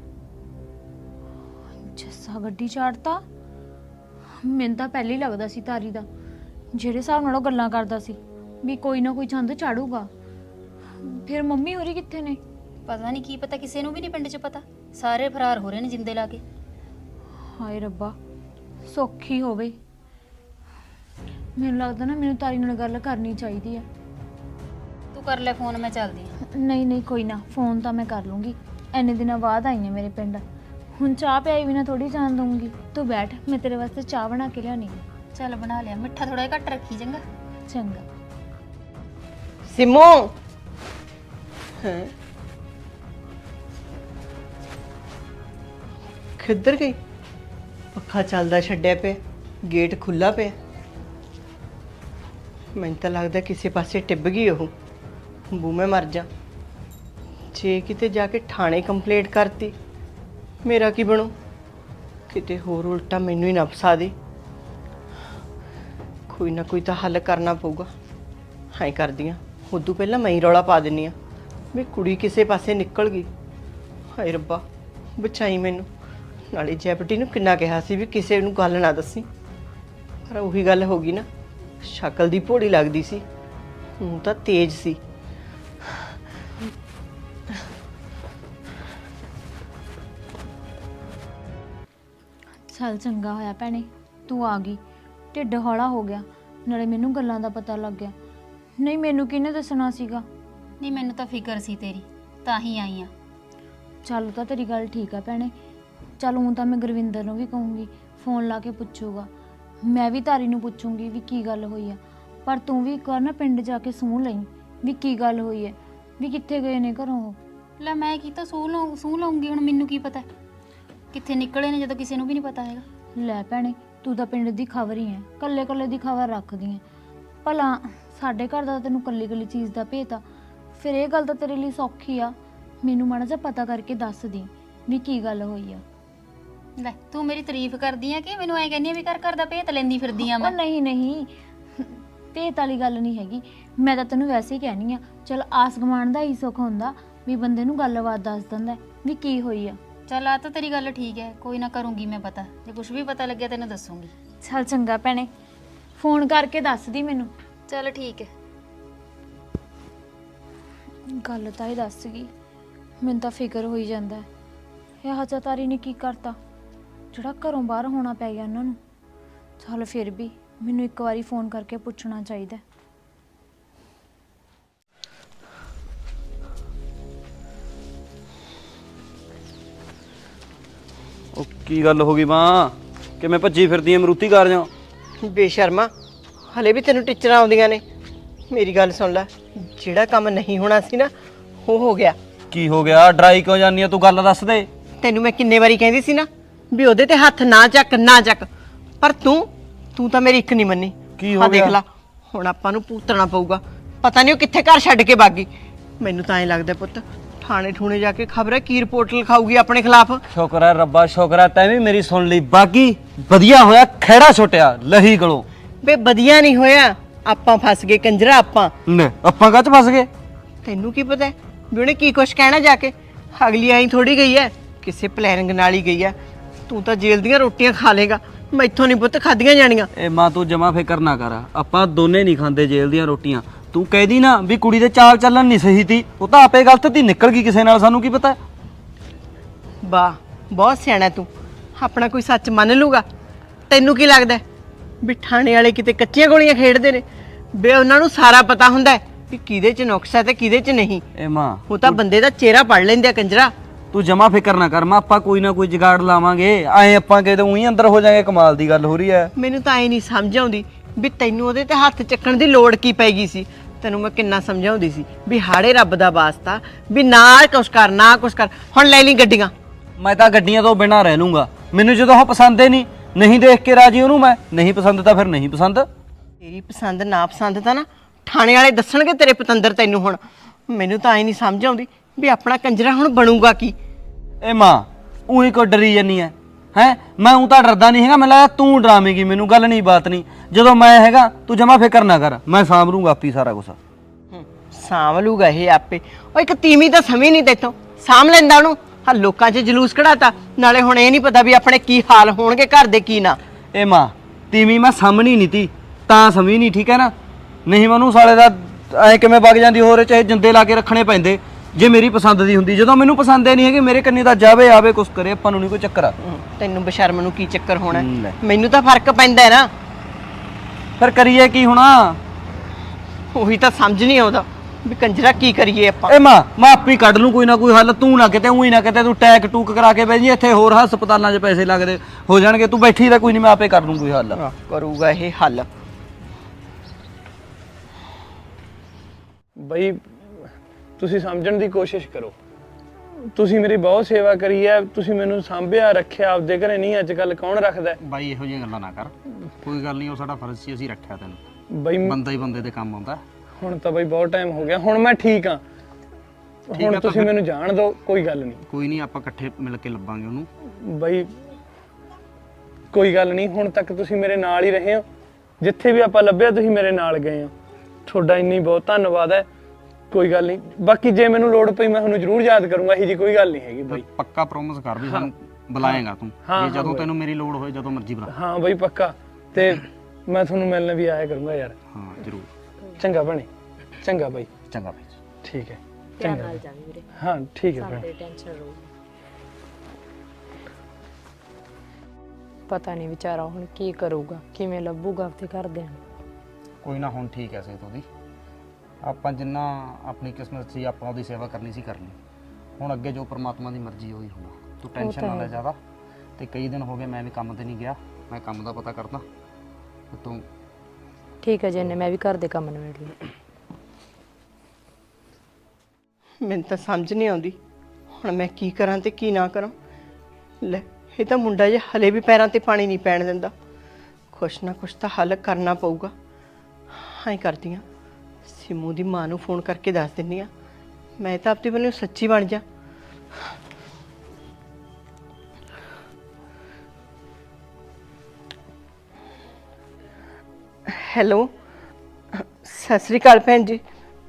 ਜੱਸਾ ਗੱਡੀ ਚਾੜਤਾ? ਮੈਨੂੰ ਤਾਂ ਪਹਿਲੇ ਹੀ ਲੱਗਦਾ ਸੀ ਤਾਰੀ ਦਾ, ਜਿਹੜੇ ਹਿਸਾਬ ਨਾਲ ਉਹ ਗੱਲਾਂ ਕਰਦਾ ਸੀ ਵੀ ਕੋਈ ਨਾ ਕੋਈ ਚੰਦ ਚਾੜੂਗਾ। ਫਿਰ ਮੰਮੀ ਹੋਰੀ ਕਿੱਥੇ ਨੇ? ਪਤਾ ਨਹੀਂ, ਕੀ ਪਤਾ, ਕਿਸੇ ਨੂੰ ਵੀ ਨਹੀਂ ਪਿੰਡ 'ਚ ਪਤਾ। ਸਾਰੇ ਫਰਾਰ ਹੋ ਰਹੇ ਨੇ ਜਿੰਦੇ ਲਾ ਕੇ। ਹਾਏ ਰੱਬਾ, ਸੌਖੀ ਹੋਵੇ। ਮੈਨੂੰ ਲੱਗਦਾ ਨਾ ਮੈਨੂੰ ਤਾਰੀ ਨਾਲ ਗੱਲ ਕਰਨੀ ਚਾਹੀਦੀ ਹੈ। ਤੂੰ ਕਰ ਲੈ ਫੋਨ, ਮੈਂ ਚੱਲਦੀ ਹਾਂ। ਨਹੀਂ ਨਹੀਂ, ਕੋਈ ਨਾ, ਫੋਨ ਤਾਂ ਮੈਂ ਕਰ ਲੂੰਗੀ। ਇੰਨੇ ਦਿਨਾਂ ਬਾਅਦ ਆਈ ਹਾਂ ਮੇਰੇ ਪਿੰਡ। ਹੁਣ ਚਾਹ ਪਿਆਈ ਬਿਨਾ ਥੋੜੀ ਜਾਣ ਦਊਂਗੀ। ਤੂੰ ਬੈਠ, ਮੈਂ ਤੇਰੇ ਵਾਸਤੇ ਚਾਹ ਬਣਾ ਕੇ ਲਿਆਉਣੀ ਹੈ। ਚੱਲ ਬਣਾ ਲਿਆ, ਮਿੱਠਾ ਥੋੜਾ ਜਿਹਾ ਘੱਟ ਰੱਖੀ ਚੰਗਾ। ਚੰਗਾ। ਸਿਮੂ ਹੈ ਕਿੱਧਰ ਗਈ? ਪੱਖਾ ਚੱਲਦਾ ਛੱਡਿਆ ਪਿਆ, ਗੇਟ ਖੁੱਲਾ ਪਿਆ। ਮੈਨੂੰ ਤਾਂ ਲੱਗਦਾ ਕਿਸੇ ਪਾਸੇ ਟਿੱਬ ਗਈ ਉਹ। ਬੂ ਮੈਂ ਮਰ ਜਾ। ਜੇ ਕਿਤੇ ਜਾ ਕੇ ਥਾਣੇ ਕੰਪਲੇਂਟ ਕਰਤੀ, ਮੇਰਾ ਕੀ ਬਣੂ? ਕਿਤੇ ਹੋਰ ਉਲਟਾ ਮੈਨੂੰ ਹੀ ਨਾ ਫਸਾ ਦੇ। ਕੋਈ ਨਾ ਕੋਈ ਤਾਂ ਹੱਲ ਕਰਨਾ ਪਊਗਾ। ਹਾਂ ਕਰਦੀ ਹਾਂ, ਉਦੋਂ ਪਹਿਲਾਂ ਮੈਂ ਹੀ ਰੌਲਾ ਪਾ ਦਿੰਨੀ ਆ ਵੀ ਕੁੜੀ ਕਿਸੇ ਪਾਸੇ ਨਿਕਲ ਗਈ। ਹਾਏ ਰੱਬਾ, ਬਚਾਈ ਮੈਨੂੰ। ਨਾਲੇ ਜੈਪਟੀ ਨੂੰ ਕਿੰਨਾ ਕਿਹਾ ਸੀ ਵੀ ਕਿਸੇ ਨੂੰ ਗੱਲ ਨਾ ਦੱਸੀ, ਪਰ ਉਹੀ ਗੱਲ ਹੋ ਗਈ ਨਾ। ਸ਼ਕਲ ਦੀ ਭੋੜੀ ਲੱਗਦੀ ਸੀ, ਹੁਣ ਤਾਂ ਤੇਜ਼ ਸੀ। ਚੱਲ ਚੰਗਾ ਹੋਇਆ ਭੈਣੇ ਤੂੰ ਆ ਗਈ। ਢਿੱਡ ਹੌਲਾ ਹੋ ਗਿਆ, ਨਾਲੇ ਮੈਨੂੰ ਗੱਲਾਂ ਦਾ ਪਤਾ ਲੱਗ ਗਿਆ। ਨਹੀਂ ਮੈਨੂੰ ਕਿਹਨੇ ਦੱਸਣਾ ਸੀਗਾ? ਨਹੀਂ ਮੈਨੂੰ ਤਾਂ ਫਿਕਰ ਸੀ ਤੇਰੀ, ਤਾਂ ਹੀ ਆਈ ਆ। ਚੱਲ ਤਾਂ ਤੇਰੀ ਗੱਲ ਠੀਕ ਆ ਭੈਣੇ। ਚੱਲ ਹੁਣ ਤਾਂ ਮੈਂ ਗੁਰਵਿੰਦਰ ਨੂੰ ਵੀ ਕਹੂੰਗੀ, ਫੋਨ ਲਾ ਕੇ ਪੁੱਛੂਗਾ। ਮੈਂ ਵੀ ਤਾਰੀ ਨੂੰ ਪੁੱਛੂੰਗੀ ਵੀ ਕੀ ਗੱਲ ਹੋਈ ਆ। ਪਰ ਤੂੰ ਵੀ ਇੱਕ ਵਾਰ ਨਾ ਪਿੰਡ ਜਾ ਕੇ ਸੂਹ ਲਈ ਵੀ ਕੀ ਗੱਲ ਹੋਈ ਹੈ, ਵੀ ਕਿੱਥੇ ਗਏ ਨੇ ਘਰੋਂ ਉਹ। ਲੈ ਮੈਂ ਕੀ ਤਾਂ ਸੂਹ ਲਾਉਂ ਸੂਹ ਲਾਉਂਗੀ, ਹੁਣ ਮੈਨੂੰ ਕੀ ਪਤਾ ਕਿੱਥੇ ਨਿਕਲੇ ਨੇ ਜਦੋਂ ਕਿਸੇ ਨੂੰ ਵੀ ਨਹੀਂ ਪਤਾ ਹੈਗਾ। ਲੈ ਭੈਣੇ, ਤੂੰ ਤਾਂ ਪਿੰਡ ਦੀ ਖਬਰ ਹੀ ਹੈ, ਕੱਲੇ ਕੱਲੇ ਦੀ ਖਬਰ ਰੱਖਦੀ ਹੈ। ਭਲਾ ਸਾਡੇ ਘਰ ਦਾ ਤੈਨੂੰ ਕੱਲੀ ਕੱਲੀ ਚੀਜ਼ ਦਾ ਭੇਤ ਆ, ਫਿਰ ਇਹ ਗੱਲ ਤਾਂ ਤੇਰੇ ਲਈ ਸੌਖੀ ਆ। ਮੈਨੂੰ ਮਾੜਾ ਜਿਹਾ ਪਤਾ ਕਰਕੇ ਦੱਸ ਦੀ ਵੀ ਕੀ ਗੱਲ ਹੋਈ ਆ। ਲੈ ਤੂੰ ਮੇਰੀ ਤਾਰੀਫ ਕਰਦੀ ਆ ਕਿ ਮੈਨੂੰ ਐ ਕਹਿੰਦੀ ਆ ਵੀ ਘਰ ਘਰ ਦਾ ਭੇਤ ਲੈਂਦੀ ਫਿਰਦੀ ਆ ਉਹ ਮੈਂ? ਨਹੀਂ ਨਹੀਂ, ਭੇਤ ਵਾਲੀ ਗੱਲ ਨਹੀਂ ਹੈਗੀ। ਮੈਂ ਤਾਂ ਤੈਨੂੰ ਵੈਸੇ ਹੀ ਕਹਿਣੀ ਆ। ਚਲ ਆਸ ਗੁਆਂਢ ਦਾ ਹੀ ਸੁੱਖ ਹੁੰਦਾ ਵੀ ਬੰਦੇ ਨੂੰ ਗੱਲਬਾਤ ਦੱਸ ਦਿੰਦਾ ਵੀ ਕੀ ਹੋਈ ਆ। ਚੱਲ ਆ ਤਾਂ ਤੇਰੀ ਗੱਲ ਠੀਕ ਹੈ, ਕੋਈ ਨਾ ਕਰੂੰਗੀ ਮੈਂ ਪਤਾ। ਜੇ ਕੁਝ ਵੀ ਪਤਾ ਲੱਗਿਆ ਤੈਨੂੰ ਦੱਸੂੰਗੀ। ਚੱਲ ਚੰਗਾ ਭੈਣੇ, ਫੋਨ ਕਰਕੇ ਦੱਸ ਦੀ ਮੈਨੂੰ। ਚੱਲ ਠੀਕ ਹੈ। ਗੱਲ ਤਾਂ ਹੀ ਦੱਸ ਗਈ, ਮੈਨੂੰ ਤਾਂ ਫਿਕਰ ਹੋਈ ਜਾਂਦਾ ਇਹ ਹਜਾ ਤਾਰੀ ਨੇ ਕੀ ਕਰਤਾ ਜਿਹੜਾ ਘਰੋਂ ਬਾਹਰ ਹੋਣਾ ਪੈ ਗਿਆ ਉਹਨਾਂ ਨੂੰ। ਚੱਲ ਫਿਰ ਵੀ ਮੈਨੂੰ ਇੱਕ ਵਾਰੀ ਫੋਨ ਕਰਕੇ ਪੁੱਛਣਾ ਚਾਹੀਦਾ। ਉਹ ਕੀ ਗੱਲ ਹੋ ਗਈ ਮਾਂ? ਕਿਵੇਂ ਭੱਜੀ ਫਿਰਦੀ ਐ ਮਰੂਤੀ ਕਾਰ ਜਾਂ? ਬੇਸ਼ਰਮਾ, ਹਲੇ ਵੀ ਤੈਨੂੰ ਟੀਚਰਾਂ ਆਉਂਦੀਆਂ ਨੇ। ਮੇਰੀ ਗੱਲ ਸੁਣ ਲੈ, ਜਿਹੜਾ ਕੰਮ ਨਹੀਂ ਹੋਣਾ ਸੀ ਨਾ ਉਹ ਹੋ ਗਿਆ। ਕੀ ਹੋ ਗਿਆ? ਡਰਾਈ ਕਿਉਂ ਜਾਂਦੀ ਆ ਤੂੰ? ਗੱਲ ਦੱਸ ਦੇ। ਤੈਨੂੰ ਮੈਂ ਕਿੰਨੇ ਵਾਰੀ ਕਹਿੰਦੀ ਸੀ ਨਾ ਵੀ ਉਹਦੇ ਤੇ ਹੱਥ ਨਾ ਚੱਕ ਨਾ ਚੱਕ, ਪਰ ਤੂੰ ਤੂੰ ਤਾਂ ਮੇਰੀ ਇੱਕ ਨਹੀਂ ਮੰਨੀ। ਕੀ ਹੋ ਆਹ ਦੇਖ ਗਿਆ? ਲਾ, ਹੁਣ ਆਪਾਂ ਨੂੰ ਭੁਗਤਣਾ ਪਊਗਾ। ਪਤਾ ਨਹੀਂ ਉਹ ਕਿੱਥੇ ਘਰ ਛੱਡ ਕੇ ਭਾਗੀ। ਮੈਨੂੰ ਤਾਂ ਐਂ ਲੱਗਦਾ ਪੁੱਤ, ਥਾਣੇ ਠੂਣੇ ਜਾ ਕੇ ਖਬਰ ਹੈ ਕੀ ਰਿਪੋਰਟ ਲਿਖਾਊਗੀ ਆਪਣੇ ਖਿਲਾਫ। ਸ਼ੁਕਰ ਹੈ ਰੱਬਾ, ਸ਼ੁਕਰ ਹੈ ਤੈਂ ਵੀ ਮੇਰੀ ਸੁਣ ਲਈ। ਬਾਕੀ ਵਧੀਆ ਹੋਇਆ ਖਹਿੜਾ ਛੁੱਟਿਆ ਲਹੀ ਗਲੋਂ। ਵੇ ਵਧੀਆ ਨਹੀਂ ਹੋਇਆ, ਆਪਾਂ ਫਸ ਗਏ ਕੰਜਰਾ। ਆਪਾਂ ਨੇ ਆਪਾਂ ਕਾਹ ਚ ਫਸ ਗਏ? ਤੈਨੂੰ ਕੀ ਪਤਾ ਵੀ ਉਹਨੇ ਕੀ ਕੁਛ ਕਹਿਣਾ ਜਾ ਕੇ? ਅਗਲੀ ਆਈ ਥੋੜੀ ਗਈ ਐ, ਕਿਸੇ ਪਲੈਨਿੰਗ ਨਾਲ ਹੀ ਗਈ ਐ। ਤੂੰ ਤਾਂ ਜੇਲ੍ਹ ਦੀਆਂ ਰੋਟੀਆਂ ਖਾ ਲੇਗਾ, ਮੈਥੋਂ ਨਹੀਂ ਪੁੱਤ ਖਾਧੀਆਂ ਜਾਣੀਆਂ। ਏ ਮਾਂ ਤੂੰ ਜਮਾ ਫਿਕਰ ਨਾ ਕਰ, ਆਪਾਂ ਦੋਨੇ ਨਹੀਂ ਖਾਂਦੇ ਜੇਲ੍ਹ ਦੀਆਂ ਰੋਟੀਆਂ। ਤੂੰ ਕਹਿਦੀ ਨਾ ਵੀ ਕੁੜੀ ਦੇ ਚਾਲ ਚੱਲਣ ਨਹੀਂ ਸਹੀ ਤੀ, ਉਹ ਤਾਂ ਆਪੇ ਗਲਤ ਤੀ, ਨਿਕਲ ਗਈ ਕਿਸੇ ਨਾਲ, ਸਾਨੂੰ ਕੀ ਪਤਾ। ਵਾਹ, ਬਹੁਤ ਸਿਆਣਾ ਤੂੰ। ਆਪਣਾ ਕੋਈ ਸੱਚ ਮੰਨ ਲੂਗਾ? ਤੈਨੂੰ ਕੀ ਲੱਗਦਾ ਵੀ ਥਾਣੇ ਵਾਲੇ ਕਿਤੇ ਕੱਚੀਆਂ ਗੋਲੀਆਂ ਖੇਡਦੇ ਨੇ? ਬੇ ਉਹਨਾਂ ਨੂੰ ਸਾਰਾ ਪਤਾ ਹੁੰਦਾ ਹੈ ਵੀ ਕਿਹਦੇ 'ਚ ਨੁਕਸ ਹੈ ਤੇ ਕਿਹਦੇ 'ਚ ਨਹੀਂ। ਏ ਮਾਂ ਉਹ ਤਾਂ ਬੰਦੇ ਦਾ ਚਿਹਰਾ ਪੜ ਲੈਂਦੇ ਆ ਕੰਜਰਾ। ਤੂੰ ਜਮਾ ਫਿਕਰ ਨਾ ਕਰ ਮਾਂ, ਆਪਾਂ ਕੋਈ ਨਾ ਕੋਈ ਜੁਗਾੜ ਲਾਵਾਂਗੇ। ਐ ਆਪਾਂ ਕਿਤੇ ਉਹੀ ਅੰਦਰ ਹੋ ਜਾਾਂਗੇ। ਕਮਾਲ ਦੀ ਗੱਲ ਹੋ ਰਹੀ ਐ। ਮੈਨੂੰ ਤਾਂ ਐ ਨਹੀਂ ਸਮਝ ਆਉਂਦੀ ਵੀ ਤੈਨੂੰ ਉਹਦੇ ਤੇ ਹੱਥ ਚੱਕਣ ਦੀ ਲੋੜ ਕੀ ਪੈ ਗਈ ਸੀ। ਤੈਨੂੰ ਮੈਂ ਕਿੰਨਾ ਸਮਝਾਉਂਦੀ ਸੀ ਵੀ ਹਾੜੇ ਰੱਬ ਦਾ ਵਾਸਤਾ, ਵੀ ਨਾ ਕੁਛ ਕਰ ਨਾ ਕੁਛ ਕਰ। ਹੁਣ ਲੈ ਲਈ ਗੱਡੀਆਂ। ਮੈਂ ਤਾਂ ਗੱਡੀਆਂ ਤੋਂ ਬਿਨਾਂ ਰਹਿ ਲੂੰਗਾ। ਮੈਨੂੰ ਜਦੋਂ ਉਹ ਪਸੰਦ ਹੀ ਨਹੀਂ, ਨਹੀਂ ਦੇਖ ਕੇ ਰਾਜੀ ਉਹਨੂੰ ਮੈਂ। ਨਹੀਂ ਪਸੰਦ ਤਾਂ ਫਿਰ ਨਹੀਂ ਪਸੰਦ। ਤੇਰੀ ਪਸੰਦ ਨਾ ਪਸੰਦ ਤਾਂ ਨਾ ਥਾਣੇ ਵਾਲੇ ਦੱਸਣਗੇ ਤੇਰੇ ਪਤੰਦਰ ਤੈਨੂੰ। ਹੁਣ ਮੈਨੂੰ ਤਾਂ ਐ ਨਹੀਂ ਸਮਝ ਆਉਂਦੀ ਵੀ ਆਪਣਾ ਕੰਜਰਾ ਹੁਣ ਬਣੂਗਾ ਕੀ। ਏ ਮਾਂ ਉਹੀ ਕੋ ਡਰੀ ਜਾਨੀ ਐ ਹੈ? ਮੈਂ ਉਹ ਤਾਂ ਡਰਦਾ ਨਹੀਂ ਹੈਗਾ, ਮੈਨੂੰ ਲੱਗਦਾ ਤੂੰ ਡਰਾਵੇਂਗੀ ਮੈਨੂੰ। ਗੱਲ ਨਹੀਂ ਬਾਤ ਨਹੀਂ, ਜਦੋਂ ਮੈਂ ਹੈਗਾ ਤੂੰ ਜਮਾ ਫਿਕਰ ਨਾ ਕਰ, ਮੈਂ ਸਾਂਭ ਲੂੰਗਾ ਆਪੀ ਸਾਰਾ ਕੁਛ। ਸਾਂਭ ਲੂਗਾ ਇਹ ਆਪੇ। ਉਹ ਇੱਕ ਤੀਵੀਂ ਤਾਂ ਸਮਝ ਨਹੀਂ ਤੇਤੋਂ, ਸਾਂਭ ਲੈਂਦਾ ਉਹਨੂੰ। ਆ ਲੋਕਾਂ 'ਚ ਜਲੂਸ ਕਢਾਤਾ, ਨਾਲੇ ਹੁਣ ਇਹ ਨਹੀਂ ਪਤਾ ਵੀ ਆਪਣੇ ਕੀ ਹਾਲ ਹੋਣਗੇ ਘਰ ਦੇ ਕੀ ਨਾ। ਏ ਮਾਂ ਤੀਵੀਂ ਮੈਂ ਸਾਹਮਣੀ ਨਹੀਂ ਤੀ ਤਾਂ ਸਮਝ ਨਹੀਂ, ਠੀਕ ਹੈ ਨਾ? ਨਹੀਂ ਮੈਨੂੰ ਸਾਲੇ ਦਾ ਐ ਕਿਵੇਂ ਵਗ ਜਾਂਦੀ, ਹੋਰ ਚਾਹੇ ਜਿੰਦੇ ਲਾ ਕੇ ਰੱਖਣੇ ਪੈਂਦੇ ਜੇ ਮੇਰੀ ਪਸੰਦ ਦੀ ਹੁੰਦੀ। ਜਦੋਂ ਮੈਨੂੰ ਪਸੰਦ ਹੀ ਨਹੀਂ ਹੈਗੀ, ਮੇਰੇ ਕੰਨੀ ਤਾਂ ਜਾਵੇ ਆਵੇ ਕੁਛ ਕਰੇ, ਆਪਾਂ ਨੂੰ ਨਹੀਂ ਕੋਈ ਚੱਕਰ ਆ। ਤੈਨੂੰ ਬਸ਼ਰਮ ਨੂੰ ਕੀ ਚੱਕਰ ਹੋਣਾ? ਲੈ। ਮੈਨੂੰ ਤਾਂ ਫਰਕ ਪੈਂਦਾ ਹੈ ਨਾ। ਫਿਰ ਕਰੀਏ ਕੀ ਹੁਣ? ਉਹੀ ਤਾਂ ਸਮਝ ਨਹੀਂ ਆਉਂਦਾ ਵੀ ਕੰਜਰਾ ਕੀ ਕਰੀਏ ਆਪਾਂ। ਏ ਮਾਂ ਮੈਂ ਆਪੇ ਕੱਢ ਲੂੰ ਕੋਈ ਨਾ ਕੋਈ ਹੱਲ। ਤੂੰ ਨਾ ਕਿਤੇ ਉਹੀ ਨਾ ਕਿਤੇ ਤੂੰ ਟੈਕ ਟੂਕ ਕਰਾ ਕੇ ਬਹਿ ਜੀ ਇੱਥੇ, ਹੋਰ ਹਸਪਤਾਲਾਂ 'ਚ ਪੈਸੇ ਲੱਗਦੇ ਹੋ ਜਾਣਗੇ। ਤੂੰ ਬੈਠੀ ਤਾਂ ਕੋਈ ਨਹੀਂ, ਮੈਂ ਆਪੇ ਕਰ ਲੂੰ ਕੋਈ ਹੱਲ। ਕਰੂਗਾ ਇਹ ਹੱਲ। ਬਈ ਤੁਸੀਂ ਸਮਝਣ ਦੀ ਕੋਸ਼ਿਸ਼ ਕਰੋ। ਤੁਸੀਂ ਮੇਰੀ ਬਹੁਤ ਸੇਵਾ ਕਰੀ ਹੈ, ਤੁਸੀਂ ਮੈਨੂੰ ਸਾਂਭਿਆ ਰੱਖਿਆ ਆਪਦੇ ਘਰੇ। ਨਹੀਂ ਅੱਜ ਕੱਲ ਕੌਣ ਰੱਖਦਾ ਬਾਈ? ਇਹੋ ਜਿਹੀਆਂ ਗੱਲਾਂ ਨਾ ਕਰ, ਕੋਈ ਗੱਲ ਨਹੀਂ, ਉਹ ਸਾਡਾ ਫਰਜ਼ ਸੀ, ਅਸੀਂ ਰੱਖਿਆ ਤੈਨੂੰ। ਬਈ? ਬੰਦਾ ਹੀ ਬੰਦੇ ਦੇ ਕੰਮ ਆਉਂਦਾ। ਹੁਣ ਤਾਂ ਬਈ ਬਹੁਤ ਟਾਈਮ ਹੋ ਗਿਆ, ਹੁਣ ਮੈਂ ਠੀਕ ਆ। ਹੁਣ ਤੁਸੀਂ ਮੈਨੂੰ ਜਾਣ ਦਿਓ, ਕੋਈ ਗੱਲ ਨਹੀਂ। ਕੋਈ ਨਹੀਂ, ਆਪਾਂ ਇਕੱਠੇ ਮਿਲ ਕੇ ਲੱਭਾਂਗੇ ਉਹਨੂੰ। ਬਈ ਕੋਈ ਗੱਲ ਨਹੀਂ, ਹੁਣ ਤੱਕ ਤੁਸੀਂ ਮੇਰੇ ਨਾਲ ਹੀ ਰਹੇ ਹੋ। ਜਿੱਥੇ ਵੀ ਆਪਾਂ ਲੱਭਿਆ ਤੁਸੀਂ ਮੇਰੇ ਨਾਲ ਗਏ ਹੋ। ਤੁਹਾਡਾ ਇੰਨੀ ਬਹੁਤ ਧੰਨਵਾਦ ਹੈ। ਕੋਈ ਗੱਲ ਨਹੀਂ, ਬਾਕੀ ਜੇ ਮੈਨੂੰ ਲੋੜ ਪਈ ਮੈਂ ਤੁਹਾਨੂੰ ਜ਼ਰੂਰ ਯਾਦ ਕਰੂੰਗਾ। ਇਹੀ ਜੀ ਕੋਈ ਗੱਲ ਨਹੀਂ ਹੈਗੀ ਬਈ। ਪੱਕਾ ਪ੍ਰੋਮਿਸ ਕਰ ਵੀ ਸਾਨੂੰ ਬੁਲਾਏਗਾ ਤੂੰ, ਜੇ ਜਦੋਂ ਤੈਨੂੰ ਮੇਰੀ ਲੋੜ ਹੋਏ ਜਦੋਂ ਮਰਜ਼ੀ ਬੁਲਾ। ਹਾਂ ਬਈ ਪੱਕਾ। ਤੇ ਮੈਂ ਤੁਹਾਨੂੰ ਮਿਲਣ ਵੀ ਆਇਆ ਕਰੂੰਗਾ ਯਾਰ। ਹਾਂ ਜ਼ਰੂਰ। ਚੰਗਾ ਭੈਣੇ। ਚੰਗਾ ਬਾਈ। ਚੰਗਾ ਬਾਈ। ਠੀਕ ਹੈ। ਧਿਆਨ ਨਾਲ ਜਾਵੀਂ ਵੀਰੇ। ਹਾਂ ਠੀਕ ਹੈ ਭੈਣੇ। ਸਾਡੇ ਟੈਨਸ਼ਨ ਰਹੂ। ਪਤਾ ਨਹੀਂ ਵਿਚਾਰਾ ਹੁਣ ਕੀ ਕਰੂਗਾ, ਕਿਵੇਂ ਲੱਭੂਗਾ ਆਪਣੇ ਘਰਦਿਆਂ ਨੂੰ। ਕੋਈ ਨਾ, ਹੁਣ ਠੀਕ ਐ ਸੇਤ ਉਹਦੀ। ਆਪਾਂ ਜਿੰਨਾ ਆਪਣੀ ਕਿਸਮਤ ਸੀ ਆਪਾਂ ਉਹਦੀ ਸੇਵਾ ਕਰਨੀ ਸੀ ਕਰਨੀ। ਹੁਣ ਅੱਗੇ ਜੋ ਪ੍ਰਮਾਤਮਾ ਦੀ ਮਰਜ਼ੀ ਹੋਈ ਹੋਣਾ। ਤੂੰ ਟੈਨਸ਼ਨ ਨਾ ਲੈ ਜ਼ਿਆਦਾ। ਤੇ ਕਈ ਦਿਨ ਹੋ ਗਏ ਮੈਂ ਵੀ ਕੰਮ ਤੇ ਨਹੀਂ ਗਿਆ, ਮੈਂ ਕੰਮ ਦਾ ਪਤਾ ਕਰਦਾ। ਤੂੰ ਠੀਕ ਹੈ ਜੈਨੇ, ਮੈਂ ਵੀ ਘਰ ਦੇ ਕੰਮ ਨਿਬੇੜ ਲਏ। ਮੈਨੂੰ ਤਾਂ ਸਮਝ ਨਹੀਂ ਆਉਂਦੀ ਹੁਣ ਮੈਂ ਕੀ ਕਰਾਂ ਤੇ ਕੀ ਨਾ ਕਰਾਂ। ਲੈ ਇਹ ਤਾਂ ਮੁੰਡਾ ਜੇ ਹਲੇ ਵੀ ਪੈਰਾਂ ਤੇ ਪਾਣੀ ਨਹੀਂ ਪੈਣ ਦਿੰਦਾ। ਕੁਛ ਨਾ ਕੁਛ ਤਾਂ ਹੱਲ ਕਰਨਾ ਪਊਗਾ। ਹਾਂ ਕਰਦੀ ਹਾਂ, ਸਿਮੂ ਦੀ ਮਾਂ ਨੂੰ ਫੋਨ ਕਰਕੇ ਦੱਸ ਦਿੰਦੀ ਹਾਂ। ਮੈਂ ਤਾਂ ਆਪਣੀ ਵੱਲੋਂ ਸੱਚੀ ਬਣ ਜਾ। ਹੈਲੋ, ਸਤਿ ਸ੍ਰੀ ਅਕਾਲ ਭੈਣ ਜੀ।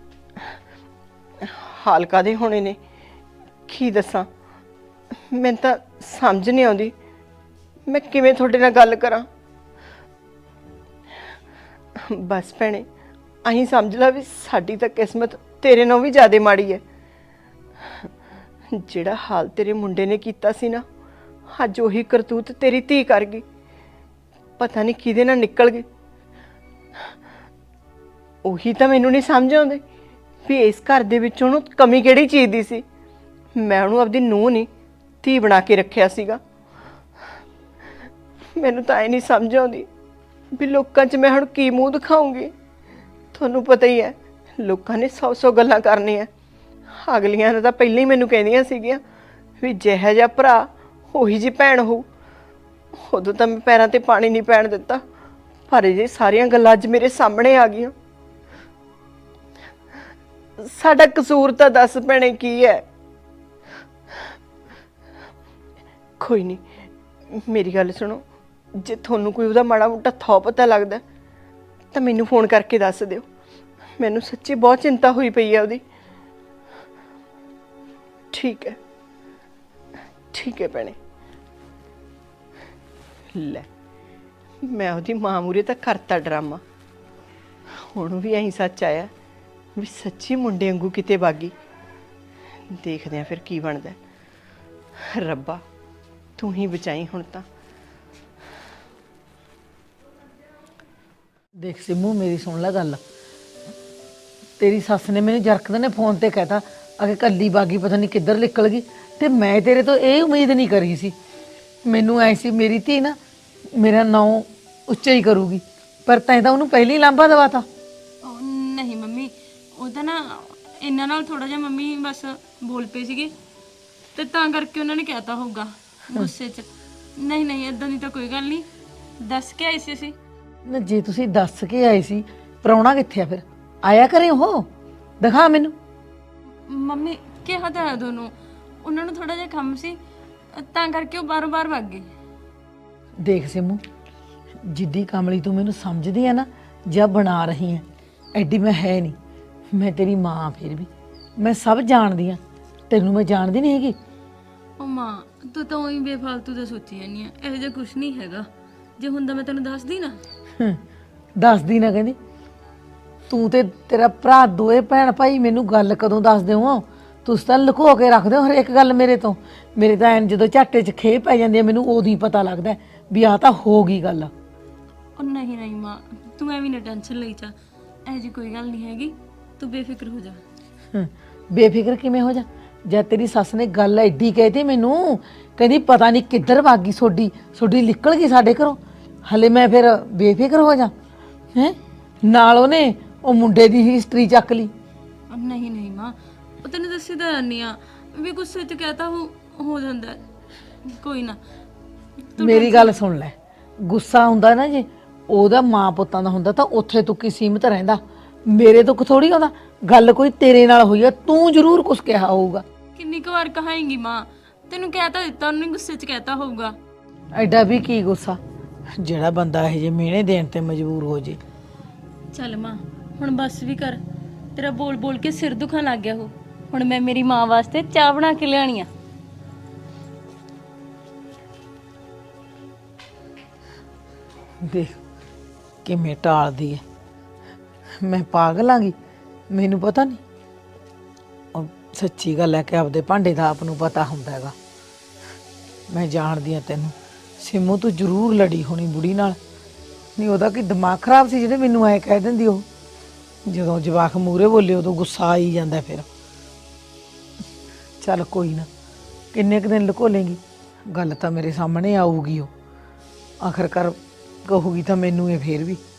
ਹਾਲ ਕਾਦੇ ਹੋਣੇ ਨੇ, ਕੀ ਦੱਸਾਂ? ਮੈਨੂੰ ਤਾਂ ਸਮਝ ਨਹੀਂ ਆਉਂਦੀ ਮੈਂ ਕਿਵੇਂ ਤੁਹਾਡੇ ਨਾਲ ਗੱਲ ਕਰਾਂ। ਬਸ ਭੈਣੇ, ਅਹੀਂ ਸਮਝ ਲਾ ਵੀ ਸਾਡੀ ਤਾਂ ਕਿਸਮਤ ਤੇਰੇ ਨਾਲੋਂ ਵੀ ਜ਼ਿਆਦਾ ਮਾੜੀ ਹੈ। ਜਿਹੜਾ ਹਾਲ ਤੇਰੇ ਮੁੰਡੇ ਨੇ ਕੀਤਾ ਸੀ ਨਾ, ਅੱਜ ਉਹੀ ਕਰਤੂਤ ਤੇਰੀ ਧੀ ਕਰ ਗਈ। ਪਤਾ ਨਹੀਂ ਕਿਹਦੇ ਨਾਲ ਨਿਕਲ ਗਈ। ਉਹੀ ਤਾਂ ਮੈਨੂੰ ਨਹੀਂ ਸਮਝ ਆਉਂਦੀ ਵੀ ਇਸ ਘਰ ਦੇ ਵਿੱਚ ਉਹਨੂੰ ਕਮੀ ਕਿਹੜੀ ਚੀਜ਼ ਦੀ ਸੀ। ਮੈਂ ਉਹਨੂੰ ਆਪਦੀ ਨੂੰਹ ਨਹੀਂ ਧੀ ਬਣਾ ਕੇ ਰੱਖਿਆ ਸੀਗਾ। ਮੈਨੂੰ ਤਾਂ ਇਹ ਨਹੀਂ ਸਮਝ ਆਉਂਦੀ ਵੀ ਲੋਕਾਂ 'ਚ ਮੈਂ ਹੁਣ ਕੀ ਮੂੰਹ ਦਿਖਾਉਂਗੀ। ਤੁਹਾਨੂੰ ਪਤਾ ਹੀ ਹੈ ਲੋਕਾਂ ਨੇ ਸੌ ਸੌ ਗੱਲਾਂ ਕਰਨੀਆਂ। ਅਗਲੀਆਂ ਨੇ ਤਾਂ ਪਹਿਲਾਂ ਹੀ ਮੈਨੂੰ ਕਹਿੰਦੀਆਂ ਸੀਗੀਆਂ ਵੀ ਜਿਹੋ ਜਿਹਾ ਭਰਾ ਉਹੀ ਜੀ ਭੈਣ ਹੋਊ। ਉਦੋਂ ਤਾਂ ਮੈਂ ਪੈਰਾਂ ਤੇ ਪਾਣੀ ਨਹੀਂ ਪੈਣ ਦਿੱਤਾ, ਪਰ ਇਹ ਸਾਰੀਆਂ ਗੱਲਾਂ ਅੱਜ ਮੇਰੇ ਸਾਹਮਣੇ ਆ ਗਈਆਂ। ਸਾਡਾ ਕਸੂਰ ਤਾਂ ਦੱਸ ਭੈਣੇ ਕੀ ਹੈ? ਕੋਈ ਨਹੀਂ, ਮੇਰੀ ਗੱਲ ਸੁਣੋ, ਜੇ ਤੁਹਾਨੂੰ ਕੋਈ ਉਹਦਾ ਮਾੜਾ ਮੋਟਾ ਥੋ ਪਤਾ ਲੱਗਦਾ ਤਾਂ ਮੈਨੂੰ ਫੋਨ ਕਰਕੇ ਦੱਸ ਦਿਓ। ਮੈਨੂੰ ਸੱਚੀ ਬਹੁਤ ਚਿੰਤਾ ਹੋਈ ਪਈ ਹੈ ਉਹਦੀ। ਠੀਕ ਹੈ, ਠੀਕ ਹੈ ਭੈਣੇ। ਲੈ, ਮੈਂ ਉਹਦੀ ਮਾਂ ਮੂਰੇ ਤਾਂ ਕਰਤਾ ਡਰਾਮਾ, ਹੁਣ ਵੀ ਐਂ ਸੱਚ ਆਇਆ ਵੀ ਸੱਚੀ ਮੁੰਡੇ ਵਾਂਗੂ ਕਿਤੇ ਬਾਗੀ। ਦੇਖਦੇ ਆ ਫਿਰ ਕੀ ਬਣਦਾ। ਰੱਬਾ ਤੂੰ ਹੀ ਬਚਾਈ ਹੁਣ ਤਾਂ। ਦੇਖ ਸਿਮੂ, ਮੇਰੀ ਸੁਣ ਲੈ ਗੱਲ। ਤੇਰੀ ਸੱਸ ਨੇ ਮੈਨੂੰ ਜਰਕਦੇ ਨੇ ਫੋਨ ਤੇ ਕਹਿਤਾ ਅਗੇ ਕੱਲੀ ਬਾਗੀ ਪਤਾ ਨਹੀਂ ਕਿੱਧਰ ਨਿਕਲ ਗਈ, ਤੇ ਮੈਂ ਤੇਰੇ ਤੋਂ ਇਹ ਉਮੀਦ ਨਹੀਂ ਕਰੀ ਸੀ। ਮੈਨੂੰ ਐ ਸੀ ਮੇਰੀ ਧੀ ਨਾ ਮੇਰਾ ਨਾਂ ਉੱਚਾ ਹੀ ਕਰੂਗੀ, ਪਰ ਤੈਂ ਤਾਂ ਉਹਨੂੰ ਪਹਿਲੀ ਲਾਂਭਾ ਦਵਾਤਾ। ਨਹੀਂ ਮੰਮੀ, ਉਹ ਤਾਂ ਨਾ ਇਹਨਾਂ ਨਾਲ ਥੋੜਾ ਜਿਹਾ ਮੰਮੀ ਬਸ ਬੋਲ ਪਏ ਸੀਗੇ ਤੇ ਤਾਂ ਕਰਕੇ ਉਹਨਾਂ ਨੇ ਕਹਿਤਾ ਹੋਊਗਾ ਗੁੱਸੇ 'ਚ। ਨਹੀਂ ਨਹੀਂ, ਇਦਾਂ ਦੀ ਤਾਂ ਕੋਈ ਗੱਲ ਨਹੀਂ, ਦੱਸ ਕੇ ਆਈ ਸੀ ਅਸੀਂ। ਨਾ ਜੇ ਤੁਸੀਂ ਦੱਸ ਕੇ ਆਏ ਸੀ, ਪ੍ਰਾਹੁਣਾ ਕਿੱਥੇ ਆ ਫਿਰ? ਆਇਆ ਕਰੇ ਉਹ, ਦਿਖਾ ਮੈਨੂੰ। ਮੰਮੀ ਕਿਹਾ ਤਾਂ ਹੈ ਦੋਨੋਂ, ਉਹਨਾਂ ਨੂੰ ਥੋੜਾ ਜਿਹਾ ਕੰਮ ਸੀ ਤਾਂ ਕਰਕੇ ਉਹ ਬਾਰੋਂ ਬਾਰ ਭੱਗ ਗਏ। ਦੇਖ ਸਿਮੂ, ਜਿੱਦੀ ਕਮਲੀ ਤੂੰ ਮੈਨੂੰ ਸਮਝਦੀ ਆ ਨਾ ਜਾਂ ਬਣਾ ਰਹੀ ਹੈ, ਐਡੀ ਮੈਂ ਹੈ ਨਹੀਂ। ਮੈਂ ਤੇਰੀ ਮਾਂ, ਫਿਰ ਵੀ ਮੈਂ ਸਭ ਜਾਣਦੀ ਆ। ਤੈਨੂੰ ਮੈਂ ਜਾਣਦੀ ਨਹੀਂ ਹੈਗੀ। ਉਹ ਮਾਂ, ਤੂੰ ਤਾਂ ਉਹੀ ਬੇਫਾਲਤੂ ਦਾ ਸੋਚੀ ਜਾਂਦੀ ਆ, ਇਹੋ ਜਿਹਾ ਕੁਝ ਨਹੀਂ ਹੈਗਾ। ਜੇ ਹੁੰਦਾ ਮੈਂ ਤੈਨੂੰ ਦੱਸਦੀ ਨਾ। ਹਮ, ਦੱਸਦੀ ਨਾ ਕਹਿੰਦੀ। ਤੂੰ ਤੇ ਤੇਰਾ ਭਰਾ ਦੋਏ ਭੈਣ ਭਾਈ ਮੈਨੂੰ ਗੱਲ ਕਦੋਂ ਦੱਸਦੇ ਹੋ? ਤੁਸੀਂ ਤਾਂ ਲੁਕੋ ਕੇ ਰੱਖਦੇ ਹੋ ਹਰੇਕ ਗੱਲ ਮੇਰੇ ਤੋਂ। ਮੇਰੇ ਤਾਂ ਐਨ ਜਦੋਂ ਝਾਟੇ 'ਚ ਖੇ ਪੈ ਜਾਂਦੀ ਆ ਮੈਨੂੰ ਉਦੋਂ ਹੀ ਪਤਾ ਲੱਗਦਾ ਵੀ ਆਹ ਤਾਂ ਹੋ ਗਈ ਗੱਲ। ਉਹ ਨਹੀਂ ਨਹੀਂ ਮਾਂ, ਤੂੰ ਐਵੇਂ ਨਾ ਟੈਨਸ਼ਨ ਲਈ ਚਾ, ਇਹੋ ਜਿਹੀ ਕੋਈ ਗੱਲ ਨਹੀਂ ਹੈਗੀ, ਤੂੰ ਬੇਫਿਕਰ ਹੋ ਜਾ। ਹਮ, ਬੇਫਿਕਰ ਕਿਵੇਂ ਹੋ ਜਾ? ਜਦ ਤੇਰੀ ਸੱਸ ਨੇ ਗੱਲ ਐਡੀ ਕਹਿਤੀ ਮੈਨੂੰ, ਕਹਿੰਦੀ ਪਤਾ ਨਹੀਂ ਕਿੱਧਰ ਭੱਗ ਗਈ ਸੋਡੀ ਸੋਡੀ ਨਿਕਲ ਗਈ ਸਾਡੇ ਘਰੋਂ, ਹਲੇ ਮੈਂ ਫਿਰ ਬੇਫਿਕਰ ਹੋ ਜਾ? ਹੈ ਨਾਲ ਉਹਨੇ ਉਹ ਮੁੰਡੇ ਦੀ ਹਿਸਟਰੀ ਚੱਕ ਲਈ। ਨਹੀਂ ਨਹੀਂ ਮਾਂ, ਉਹ ਤੈਨੂੰ ਦੱਸੀ ਤਾਂ ਜਾਨੀ ਆ ਵੀ ਗੁੱਸੇ 'ਚ ਕਹਤਾ ਹੋ ਹੋ ਜਾਂਦਾ ਹੈ। ਕੋਈ ਨਾ, ਮੇਰੀ ਗੱਲ ਸੁਣ ਲੈ, ਗੁੱਸਾ ਹੁੰਦਾ ਨਾ ਜੇ ਉਹਦਾ ਮਾਂ ਪੁੱਤਾਂ ਦਾ ਹੁੰਦਾ ਤਾਂ ਉੱਥੇ ਤੂੰ ਕੀ ਸੀਮਤ ਰਹਿੰਦਾ। ਮੇਰੇ ਤੋਂ ਥੋੜੀ ਆਉਂਦਾ। ਗੱਲ ਕੋਈ ਤੇਰੇ ਨਾਲ ਹੋਈ ਆ, ਤੂੰ ਜ਼ਰੂਰ ਕੁਝ ਕਿਹਾ ਹੋਊਗਾ। ਕਿੰਨੀ ਕੁ ਵਾਰ ਕਹਾਂਗੀ ਮਾਂ, ਤੈਨੂੰ ਕਹਿ ਤਾਂ ਦਿੱਤਾ, ਉਹਨੇ ਗੁੱਸੇ 'ਚ ਕਹਿਤਾ ਹੋਊਗਾ। ਐਡਾ ਵੀ ਕੀ ਗੁੱਸਾ ਜਿਹੜਾ ਬੰਦਾ ਇਹ ਜੇ ਮਿਹਣੇ ਦੇਣ ਤੇ ਮਜਬੂਰ ਹੋ ਜੇ। ਚੱਲ ਮਾਂ, ਹੁਣ ਬਸ ਵੀ ਕਰ, ਤੇਰਾ ਬੋਲ ਬੋਲ ਕੇ ਸਿਰ ਦੁਖਣ ਲੱਗ ਗਿਆ ਹੋ। ਹੁਣ ਮੈਂ ਮੇਰੀ ਮਾਂ ਵਾਸਤੇ ਚਾਹ ਬਣਾ ਕੇ ਲਿਆਣੀ ਆ। ਦੇਖ ਕਿਵੇਂ ਟਾਲਦੀ ਹੈ। ਮੈਂ ਪਾਗਲ ਆਂਗੀ? ਮੈਨੂੰ ਪਤਾ ਨਹੀਂ। ਉਹ ਸੱਚੀ ਗੱਲ ਹੈ ਕਿ ਆਪਦੇ ਭਾਂਡੇ ਦਾ ਆਪ ਨੂੰ ਪਤਾ ਹੁੰਦਾ ਹੈਗਾ। ਮੈਂ ਜਾਣਦੀ ਹਾਂ ਤੈਨੂੰ ਸਿਮੂ, ਤੂੰ ਜ਼ਰੂਰ ਲੜੀ ਹੋਣੀ ਬੁੜੀ ਨਾਲ। ਨਹੀਂ ਉਹਦਾ ਕੀ ਦਿਮਾਗ ਖਰਾਬ ਸੀ ਜਿਹੜੇ ਮੈਨੂੰ ਐ ਕਹਿ ਦਿੰਦੀ। ਉਹ ਜਦੋਂ ਜਵਾਕ ਮੂਹਰੇ ਬੋਲੇ ਉਦੋਂ ਗੁੱਸਾ ਆ ਹੀ ਜਾਂਦਾ। ਫਿਰ ਚੱਲ ਕੋਈ ਨਾ, ਕਿੰਨੇ ਕੁ ਦਿਨ ਲੁਕੋ ਲੇਂਗੀ? ਗੱਲ ਤਾਂ ਮੇਰੇ ਸਾਹਮਣੇ ਆਊਗੀ। ਉਹ ਆਖਰਕਾਰ ਕਹੂਗੀ ਤਾਂ ਮੈਨੂੰ ਇਹ ਫੇਰ ਵੀ।